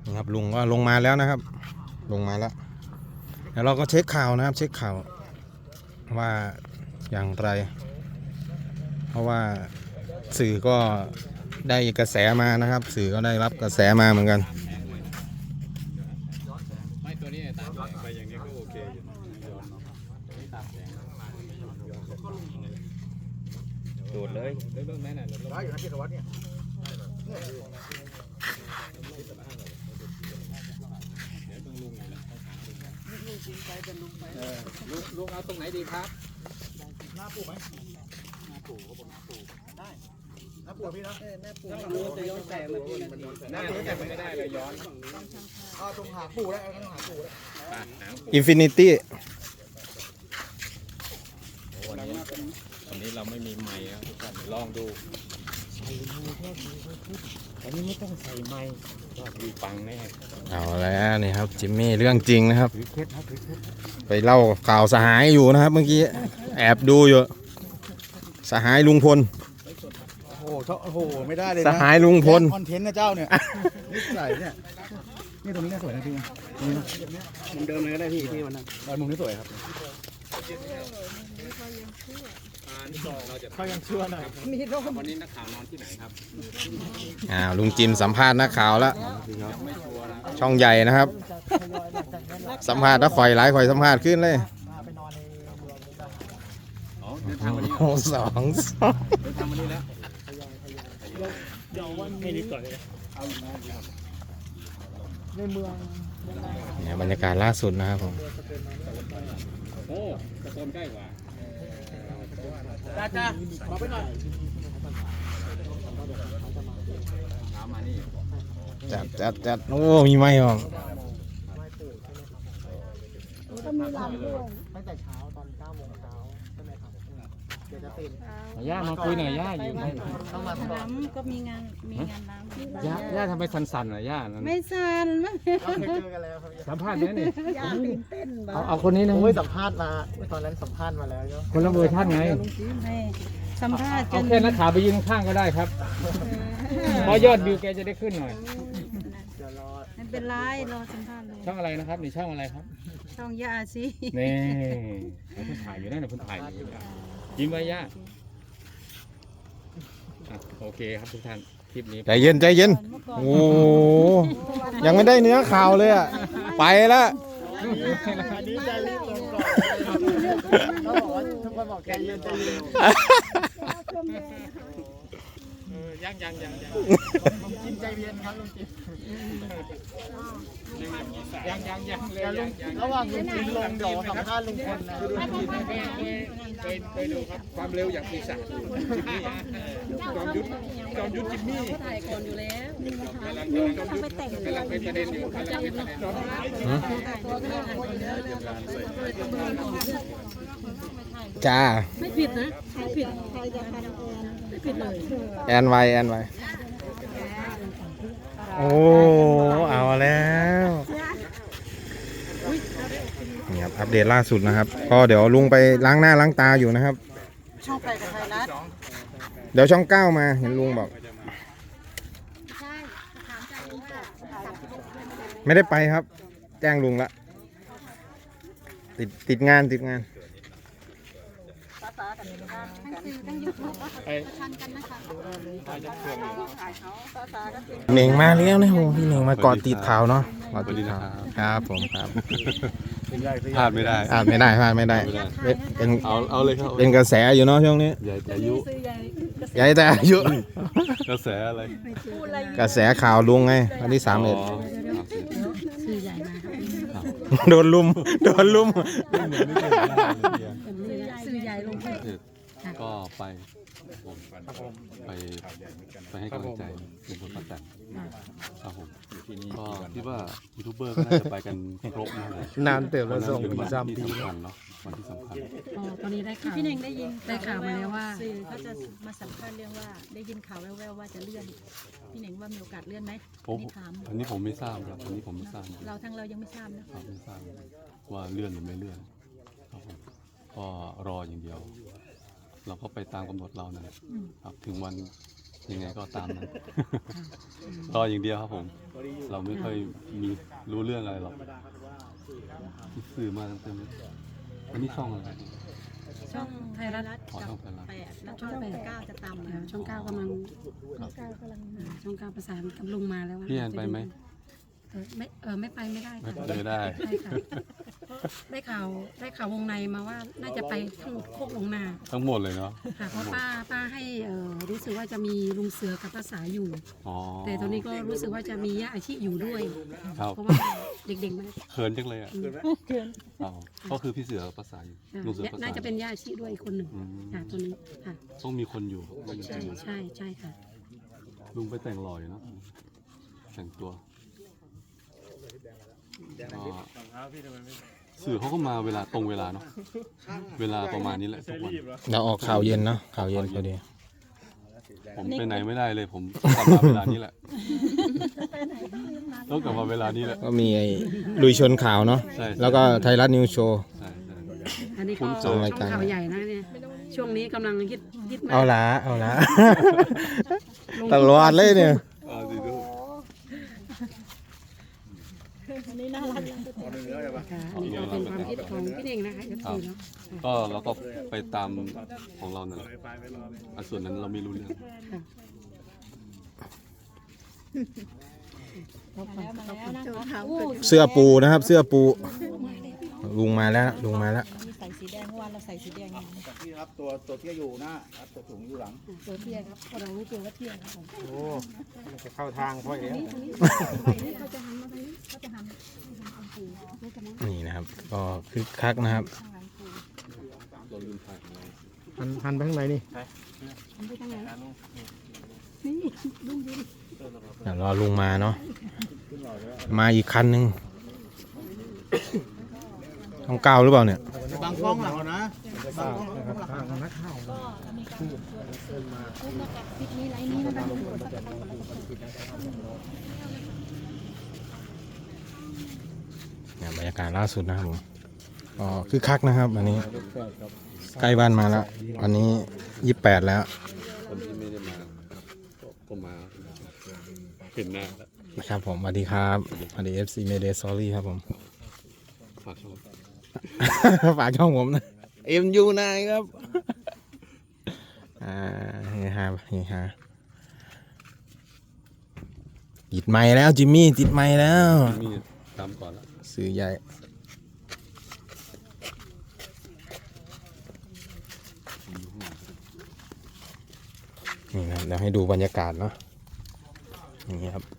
นะครับลุงก็ลงมาแล้วนะครับ ลงมาแล้วแล้วเราก็เช็คข่าวนะครับ เช็คข่าวว่าอย่างไร เพราะว่าสื่อก็ได้กระแสมานะครับ สื่อก็ได้รับกระแสมาเหมือนกันไม่ตัวนี้ตามย้อนไปอย่างนี้ก็โอเคอยู่ย้อนไม่ตามแสงโดดเลยเรื่องแม่น่ะร้อยอยู่นะพี่ธวัฒน์เนี่ยเดี๋ยวต้องลุงเลยนะลุงเอาตรงไหนดีครับหน้าปู่ไหมหน้าปู่ก็บอกหน้าปู่ได้หน้าปู่พี่นะหน้าปู่จะย้อนแสงมาพี่หน้าแต่ไม่ได้เลยย้อนเอาตรงหาปู่ได้เอาตรงหาปู่ได้อินฟินิตี้วันนี้เราไม่มีไมค์ครับทุกท่านลองดูใส่ไมค์แค่อันนี้ไม่ต้องใส่ไมค์ก็ดีฟังแน่เอาแล้วนี่ครับจิมมี่เรื่องจริงนะครับไปเล่าข่าวสหายอยู่นะครับ เมื่อกี้แอบดูอยู่สหายลุงพลโอ้โหไม่ได้เลยนะสหายลุงพลคอนเทนต์นะเจ้าเนี่ยนี่ใส่เนี่ยนี่ตรงนี้น่าสวยนะพี่มุมเดิมเลยก็ได้พี่ที่วันนั้นมุมนี้สวยครับเขายังชั่วหน่อยวันนี้นักข่าวนอนที่ไหนครับลุงจิมสัมภาษณ์นักข่าวแล้วช่องใหญ่นะครับสัมภาษณ์แล้วข่อยหลายข่อยสัมภาษณ์ขึ้นเลยสองเดินทางวันนี้แล้วให้นิดก่อนเลยในเมืองเนี่ยบรรยากาศล่าสุดนะครับผมโอ้กระโดนใกล้กว่าจ้าขอไปหน่อยเอามานี่จัดโอ้มีไหมครับก็มีร้านด้วยตั้งแต่เช้าตอน9 โมงเช้าใช่ไหมครับเดี๋ยวจะตื่นย่ามาคุยหน่อยย่าอยู่ไหนต้องมาน้ำก็มีงานน้ำย่าทำไมสั่นๆหน่อยย่าไม่สั่นเราเคยเจอกันแล้วครับสัมภาษณ์เนี้ยนี่ย่าตื่นเต้นเอาคนนี้นะสัมภาษณ์มาตอนนั้นสัมภาษณ์มาแล้วคนละเวอร์ชันไงสัมภาษณ์เอาแค่นักข่าวไปยืนข้างก็ได้ครับเพราะยอดวิวแกจะได้ขึ้นหน่อยไม่เป็นไรรอสัมภาษณ์เลยช่องอะไรนะครับนี่ช่องอะไรครับช่องย่าสินี่ผมถ่ายอยู่นั่นนะผมถ่ายอยู่ยิ้มไว้ย่าโอเคครับทุกท่านคลิปนี้ใจเย็นโอ้ยังไม่ได้เนื้อข่าวเลยอ่ะไปแล้วอันนี้ใจรีบลงก่อนเขาบอกว่าทุกคนบอกใจเย็นยังลุงจิมใจเย็นครับลุงจิมยังระหว่างลุงจิมลงเดี๋ยวสัมภาษณ์ลุงพลนะเคยดูครับความเร็วอย่างปีศาจจิมมี่จอมยุทธจิมมี่ถ่ายก่อนอยู่แล้วกำลังเป็นประเด็นอยู่จ้าไม่ผิดนะไม่ผิดใครจะทำไม่ผิดเลยแอนไวโอ้เอาแล้วนี่ครับอัปเดตล่าสุดนะครับก็เดี๋ยวลุงไปล้างหน้าล้างตาอยู่นะครับช่องไปกับไทยรัฐเดี๋ยวช่อง9มาเห็นลุงบอกไม่ได้ไปครับแจ้งลุงละติดงานเหน่งมาแล้วนะโหพี่เหน่งมาเกาะติดข่าวเนาะเกาะติดข่าวครับผมครับพลาดไม่ได้เป็นเอาเลยครับเป็นกระแสอยู่เนาะช่วงนี้ใหญ่แต่อายุกระแสอะไรกระแสข่าวลุงไงวันที่31โดนลุมสื่อใหญ่ลงก็ไปให้กำลังใจลุงพลป้าแตนครับผมก็คิดว่ายูทูบเบอร์ก็น่าจะไปกันครบนานเติบแล้วส่งวันที่สำคัญเนาะวันที่สำคัญตอนนี้ได้ข่าวพี่เน่งได้ข่าวมาแล้วว่าสื่อเขาจะมาสัมภาษณ์เรื่องว่าได้ยินข่าวแว่วๆว่าจะเลื่อนพี่เน่งว่ามีโอกาสเลื่อนไหมอันนี้ผมไม่ทราบครับเรายังไม่ทราบนะครับไม่ทราบว่าเลื่อนหรือไม่เลื่อนครับผมก็รออย่างเดียวเราก็ไปตามกำหนดเรานะครับถึงวันยังไงก็ตามนั้นรออย่างเดียวครับผม เราไม่ค่อยมีรู้เรื่องอะไรหรอกสื่อมาเต็มเลยอันนี้ช่องอะไรช่องไทยรัฐขอช่องไทยรัฐ 8แล้วช่อง9จะตามมาช่องเก้ากำลังช่องเก้าประสานกับลุงมาแล้วว่าพี่แอนไปไหมไม่ไปไม่ได้ไม่ค่ะไปไม่ได้ใช่ค่ะได้ข่าววงในมาว่าน่าจะไปทั้งโคกลงนาทั้งหมดเลยเนาะค่ะเพราะป้าให้รู้สึกว่าจะมีลุงเสือกับภาษาอยู่อ๋อแต่ตอนนี้ก็รู้สึกว่าจะมีย่าอาชีอยู่ด้วยครับเพราะว่าเด็กๆมาเขินจังเลยอ่ะอ๋อก็คือพี่เสือภาษาอยู่ลุงเสือภาษาน่าจะเป็นย่าอาชีด้วยอีกคนหนึ่งอืมค่ะตัวนี้ค่ะต้องมีคนอยู่ไม่มีใช่คนอยู่ใช่ค่ะลุงไปแต่งหล่ออยู่เนอะแต่งตัวก็สื่อเขาก็มาเวลาตรงเวลาเนาะเวลาประมาณนี้แหละทุกวันเราออกข่าวเย็นเนาะข่าวเย็นพอดีผมไปไหนไม่ได้เลยผมต้องกลับมาเวลานี้แหละต้องกลับมาเวลานี้แหละก็มีไอ้ลุยชนข่าวเนาะใช่แล้วก็ไทยรัฐนิวโชว์ใช่ใช่อันนี้ก็ผมเจช่อองรายการข่าวใหญ่นะเนี่ยช่วงนี้กำลังฮิตมากเอาละ ตลอดเลยเนี่ยเอาสิดูอันนี้น่ารักค่ะอันนี้ก็เป็นความคิดของพี่เองนะคะเอฟซีเนาะก็เราก็ไปตามของเรานั่นแหละอันส่วนนั้นเราไม่รู้เรื่องค่ะเสื้อปูนะครับ เสื้อปูลุงมาแล้วลุงมาแล้วมีใส่สีแดงเมื่อวานเราใส่สีแดงพี่ครับตัวเที่ยอยู่หน้าครับตัวถุงอยู่หลังตัวเทียครับเรารู้ตัวว่าเทียครับผมโอ้จะเข้าทางพ่อเองนี่เขาจะหันมาทางนี้เขาจะหันนี่นะครับ ก็คึกคักนะครับเราลืมถ่ายของเราหันไปข้างในนี่หันไปทางไหนนี่ลุงยืนเดี๋ยวรอลุงมาเนาะมาอีกคันหนึ่งต้องก้าวหรือเปล่าเนี่ยบางกล้องหลังนะบางกล้องหลังเนี่ยบรรยากาศล่าสุดนะครับผมก็คึกคักนะครับอันนี้ใกล้บ้านมาแล้ววันนี้28แล้วคนที่ไม่ได้มาก็มาเห็นหน้าแล้วนะครับผมสวัสดีครับสวัสดี FC Mayday Sorry ครับผมฝากช่องฝากช่องผมนะ MU9 ครับเฮฮาเฮฮาติดไมค์แล้วจิมมี่ติดไมค์แล้วนี่ตามก่อนละสื่อใหญ่นี่นะครับเดี๋ยวให้ดูบรรยากาศเนาะนี่ครับ